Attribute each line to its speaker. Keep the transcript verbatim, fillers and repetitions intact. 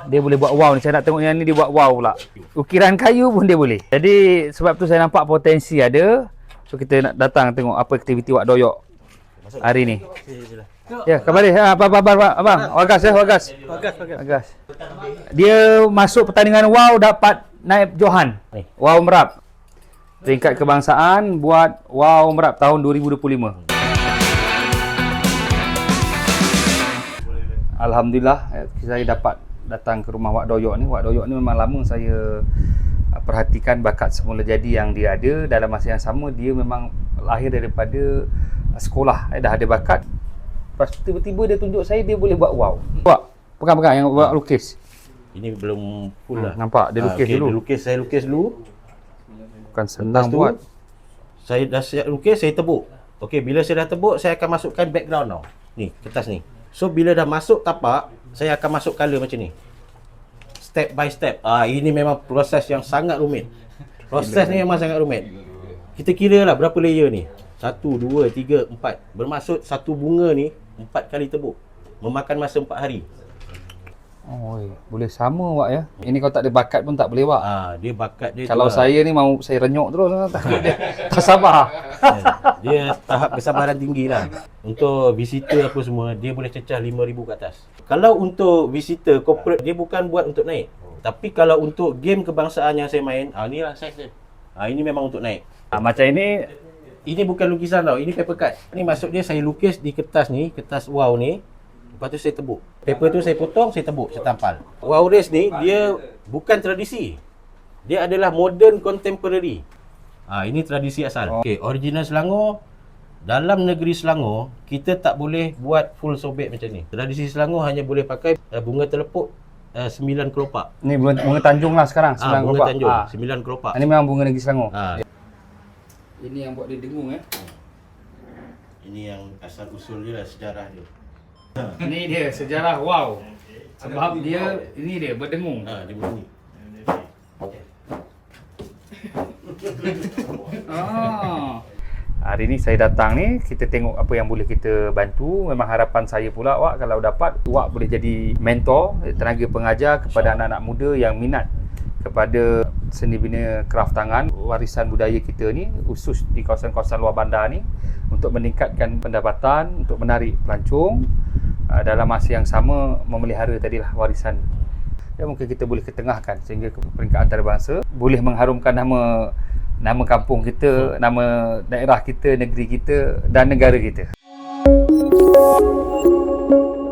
Speaker 1: Dia boleh buat wow ni. Saya nak tengok yang ni dia buat wow pula. Ukiran kayu pun dia boleh. Jadi sebab tu saya nampak potensi ada. So kita nak datang tengok apa aktiviti Wak Doyok hari ni. Ya, kembali. Ha, abang, abang, abang, abang. Wagas ya, wagas.
Speaker 2: Wagas, wagas.
Speaker 1: Wagas. Dia masuk pertandingan wow dapat naib Johan. Wow Merap. Peringkat kebangsaan buat wow Merap tahun dua ribu dua puluh lima. Alhamdulillah saya dapat datang ke rumah Wak Doyok ni. Wak Doyok ni memang lama saya perhatikan bakat semula jadi yang dia ada. Dalam masa yang sama dia memang lahir daripada sekolah, eh, dah ada bakat. Lepas tu tiba-tiba dia tunjuk saya dia boleh buat wow. Buat pegang-pegang yang buat lukis.
Speaker 2: Ini belum full lah.
Speaker 1: Hmm, nampak dia lukis
Speaker 2: ha, okay,
Speaker 1: dulu.
Speaker 2: Dia lukis, saya lukis dulu.
Speaker 1: Bukan senang
Speaker 2: tu,
Speaker 1: buat.
Speaker 2: Saya dah siap lukis, saya tebuk. Okey, bila saya dah tebuk, saya akan masukkan background tau. Ni, kertas ni. So bila dah masuk tapak, saya akan masuk color macam ni. Step by step. Ah, ini memang proses yang sangat rumit. Proses ni memang sangat rumit. Kita kira lah berapa layer ni. Satu, dua, tiga, empat. Bermaksud satu bunga ni empat kali tebuk. Memakan masa empat hari.
Speaker 1: Oh, boleh sama Wak ya. Ini kalau tak ada bakat pun tak boleh Wak.
Speaker 2: Ah, dia bakat dia.
Speaker 1: Kalau
Speaker 2: tu
Speaker 1: saya
Speaker 2: lah.
Speaker 1: ni mau saya renyuk terus takut dia tak sabar.
Speaker 2: Dia tahap kesabaran tinggi lah. Untuk visitor apa semua, dia boleh cecah lima ribu ke atas. Kalau untuk visitor corporate, dia bukan buat untuk naik. Tapi kalau untuk game kebangsaan yang saya main, ah, ni lah size dia. Ah, ini memang untuk naik.
Speaker 1: Ah, macam ini,
Speaker 2: ini bukan lukisan tau, ini paper cut. Ni maksud dia saya lukis di kertas ni, kertas wow ni. Lepas tu saya tebuk. Paper tu saya potong, saya tebuk, saya tampal. Wow race ni, dia bukan tradisi. Dia adalah modern contemporary. Ah, ini tradisi asal. Okey, original Selangor. Dalam negeri Selangor, kita tak boleh buat full sobek macam ni. Tradisi Selangor hanya boleh pakai uh, bunga telepuk uh, sembilan kelopak.
Speaker 1: ni bunga, bunga Tanjung lah sekarang.
Speaker 2: Ah, bunga
Speaker 1: kelopak.
Speaker 2: Tanjung,
Speaker 1: Ah.
Speaker 2: sembilan kelopak.
Speaker 1: Ini memang bunga negeri Selangor.
Speaker 2: Ah.
Speaker 1: Ini yang buat dia dengung eh.
Speaker 2: Ini yang asal usul dia lah, sejarah dia.
Speaker 1: Ini dia sejarah wow. Sebab dia ini dia berdengung.
Speaker 2: Ah, dia bunyi.
Speaker 1: Ah. Hari ni saya datang ni, kita tengok apa yang boleh kita bantu. Memang harapan saya pula Wak, kalau dapat Wak boleh jadi mentor, tenaga pengajar kepada anak-anak muda yang minat kepada seni bina kraf tangan, warisan budaya kita ni, khusus di kawasan-kawasan luar bandar ni, untuk meningkatkan pendapatan, untuk menarik pelancong, dalam masa yang sama memelihara tadilah warisan. Dan mungkin kita boleh ketengahkan sehingga ke peringkat antarabangsa, boleh mengharumkan nama nama kampung kita, nama daerah kita, negeri kita dan negara kita.